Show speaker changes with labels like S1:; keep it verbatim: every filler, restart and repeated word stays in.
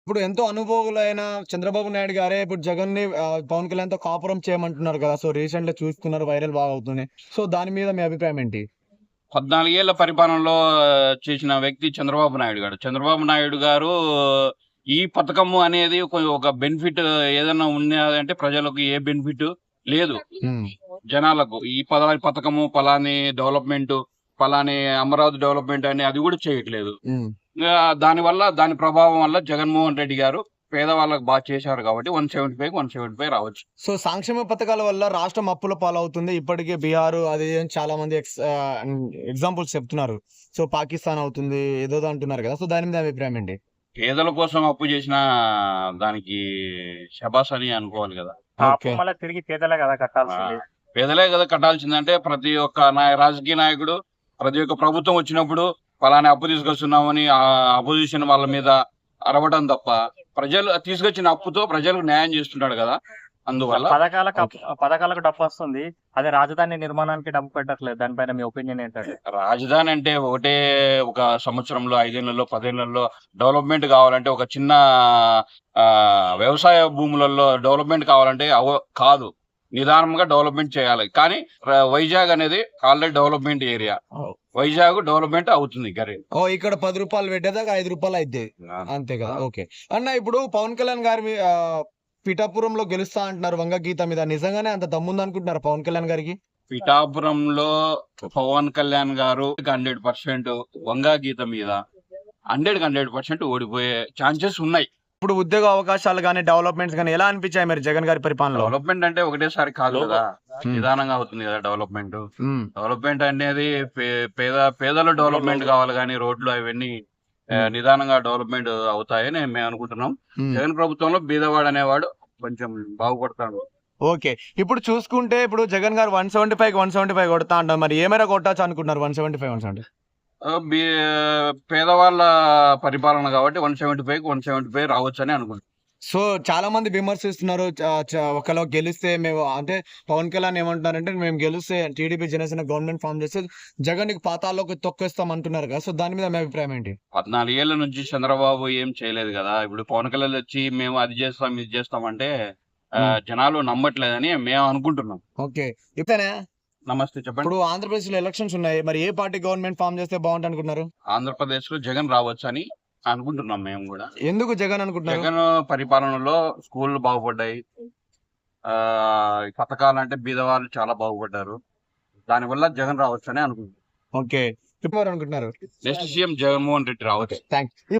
S1: ఇప్పుడు ఎంతో అనుభవులైన చంద్రబాబు నాయుడు గారే ఇప్పుడు జగన్‌ని ఆహ్, పవన్ కళ్యాణ్‌తో కాపురం చేయమంటున్నారు కదా! సో, రీసెంట్‌గా చూస్తున్నారు వైరల్ బాగా అవుతుంది. సో, దాని మీద మీ అభిప్రాయం ఏంటి?
S2: పద్నాలుగు ఏళ్ల పరిపాలనలో చేసిన వ్యక్తి చంద్రబాబు నాయుడు గారు. చంద్రబాబు నాయుడు గారు ఈ పథకము అనేది ఒక ఒక బెనిఫిట్ ఏదన్నా ఉన్నదంటే ప్రజలకు ఏ బెనిఫిట్ లేదు.
S1: హ్మ్.
S2: జనాలకు. ఈ పలాని పథకము, పలాని డెవలప్‌మెంటు, పలాని అమరావతి డెవలప్‌మెంట్ అని అది గూడా చేయట్లేదు.
S1: హ్మ్.
S2: ఇంగా దానివల్ల దాని ప్రభావం వల్ల జగన్మోహన్ రెడ్డి గారు పేదవాళ్ళకి బా చేశారు కాబట్టి నూట డెబ్బై ఐదుకి నూట డెబ్బై ఐదు రావచ్చు.
S1: సో, సంక్షేమ పథకాల వల్ల రాష్ట్రం అప్పుల పాలవుతుంది. ఇప్పటికే బీహారు అది ఇది అని చాలా మంది ఎక్స్ ఆహ్, హ్మ్, ఎగ్జాంపుల్స్ చెప్తున్నారు. సో, పాకిస్తాన్ అవుతుంది ఏదేదో అంటున్నారు కదా! సో, దాని మీద అభిప్రాయం ఏంటి?
S2: పేదల కోసం అప్పు చేసినా దానికి శబాష్ అని అనుకోవాలి గదా!
S3: ఆ అప్పు
S1: ఓకే.
S3: మళ్ళా తిరిగి పేదలే కదా
S2: ఆ!
S3: కట్టాల్సింది.
S2: పేదలే గదా కట్టాల్సిందంటే ప్రతి ఒక్క నాయ రాజకీయ నాయకుడు, ప్రతి ఒక్క ప్రభుత్వం వచ్చినప్పుడు పలానా అప్పు తీసుకొస్తున్నామని ఆహ్, అపోజిషన్ వాళ్ళ మీద అరవడం తప్ప, ప్రజలు తీసుకొచ్చిన అప్పుతో ప్రజలకు న్యాయం చేస్తున్నాడు గదా! అందువల్ల
S3: పథకాలకు
S1: ఓకే.
S3: అప్ పథకాలకు డబ్బొస్తుంది. అదే రాజధాని నిర్మాణానికి డబ్బు పెట్టట్లేదు. దానిపైన మీ ఒపీనియన్ ఏంటండి?
S2: రాజధాని అంటే ఒకటే ఒక సంవత్సరంలో, ఐదేళ్లలో, పదేళ్లలో డెవలప్‌మెంట్ కావాలంటే ఒక చిన్న ఆహ్, వ్యవసాయ భూములలో డెవలప్‌మెంట్ కావాలంటే అవ కాదు. నిదానంగా డెవలప్‌మెంట్ చేయాలి. కానీ ర వైజాగ్ అనేది ఆల్రెడీ డెవలప్‌మెంట్ ఏరియా.
S1: ఓహ్!
S2: వైజాగ్ డెవలప్‌మెంట్ అవుతుంది గరి
S1: ఓహ్! ఇక్కడ రూ. పది పెట్టేదాకా రూ. ఐదు అయిద్ది.
S2: ఆ!
S1: అంతే కదా!
S2: ఆ!
S1: ఓకే. అన్న ఇప్పుడు పవన్ కళ్యాణ్ గారి మీ ఆహ్, పిఠాపురంలో గెలుస్తా అంటున్నారు వంగ గీత మీద. నిజంగానే అంత దమ్ముందనుకుంటున్నారా పవన్ కళ్యాణ్ గారికి?
S2: పిఠాపురంలో పవన్ కళ్యాణ్ గారు వంద శాతం వంగా గీత మీద వందకి వంద శాతం ఓడిపోయే ఛాన్సెస్ ఉన్నాయి.
S1: ఇప్పుడు ఉద్యోగ అవకాశాలు గాని, డెవలప్‌మెంట్స్ గాని ఎలా అనిపించాయి మరి జగన్ గారి పరిపాలనలో?
S2: డెవలప్‌మెంట్ అంటే ఒకటేసారి కాదు గదా!
S1: హ్మ్.
S2: నిదానంగా అవుతుంది గదా! డెవలప్‌మెంట్.
S1: హ్మ్.
S2: డెవలప్‌మెంట్ అనేది పే పేద పేదల డెవలప్‌మెంట్ కావాలి గానీ రోడ్లు అవన్నీ ఆహ్,
S1: హ్మ్.
S2: నిదానంగా డెవలప్‌మెంట్ అవుతాయని మేము అనుకుంటున్నాం.
S1: హ్మ్.
S2: జగన్ ప్రభుత్వంలో బీదవాడు అనేవాడు కొంచెం బాగుపడతాడు.
S1: ఓకే. ఇప్పుడు చూసుకుంటే ఇప్పుడు జగన్ గారు నూట డెబ్బై ఐదుకి నూట డెబ్బై ఐదు కొడతా అంటారు. మరి ఏ మేర కొట్టొచ్చు అనుకుంటున్నారు నూట డెబ్బై ఐదు, నూట డెబ్బై?
S2: ఆహ్, బీ పేదవాళ్ళ పరిపాలన కాబట్టి నూట డెబ్బై ఐదుకి నూట డెబ్బై ఐదు రావచ్చని అనుకుంటున్నాం.
S1: సో, చాలా మంది విమర్శిస్తున్నారు. చ చ ఒకవేళ గెలిస్తే మేము అంటే పవన్ కళ్యాణ్ ఏమంటున్నారంటే మేము గెలిస్తే టీడీపీ, జనసేన గవర్నమెంట్ ఫార్మ్ చేస్తే జగన్‌ని పాతాళంలోకి తొక్కేస్తాం అంటున్నారు కదా! సో, దాని మీద మీ అభిప్రాయం ఏంటి?
S2: పద్నాలుగు ఏళ్ల నుంచి చంద్రబాబు ఏం చేయలేదు గదా! ఇప్పుడు పవన్ కళ్యాణ్ వచ్చి మేము అది చేస్తాం, ఇది చేస్తాం అంటే
S1: హ్మ్.
S2: ఆహ్, జనాలు నమ్మట్లేదని మేము అనుకుంటున్నాం.
S1: ఓకే. ఇప్పుడేనా
S2: నమస్తే చెప్పండి.
S1: ఇప్పుడు ఆంధ్రప్రదేశ్‌లో ఎలక్షన్స్ ఉన్నాయి. మరి ఏ పార్టీ గవర్నమెంట్ ఫార్మ్ చేస్తే బావుంటదనుకుంటున్నారు?
S2: ఆంధ్రప్రదేశ్‌లో జగన్ రావచ్చని అనుకుంటున్నాం మేము గూడా.
S1: ఎందుకు జగన్ అనుకుంటున్నారు?
S2: జగన్ పరిపాలనలో స్కూల్‌లు బాగుపడ్డాయి. ఆహ్, పథకాలంటే బీదవాళ్ళు చాలా బాగుపడ్డారు. దానివల్ల జగన్ రావచ్చని అనుకుంటున్నాం.
S1: ఓకే. ఎవరనుకుంటున్నారు?
S2: Next CM Jaganmohan Reddy
S1: okay.
S2: రావచ్చు.
S1: థాంక్స్.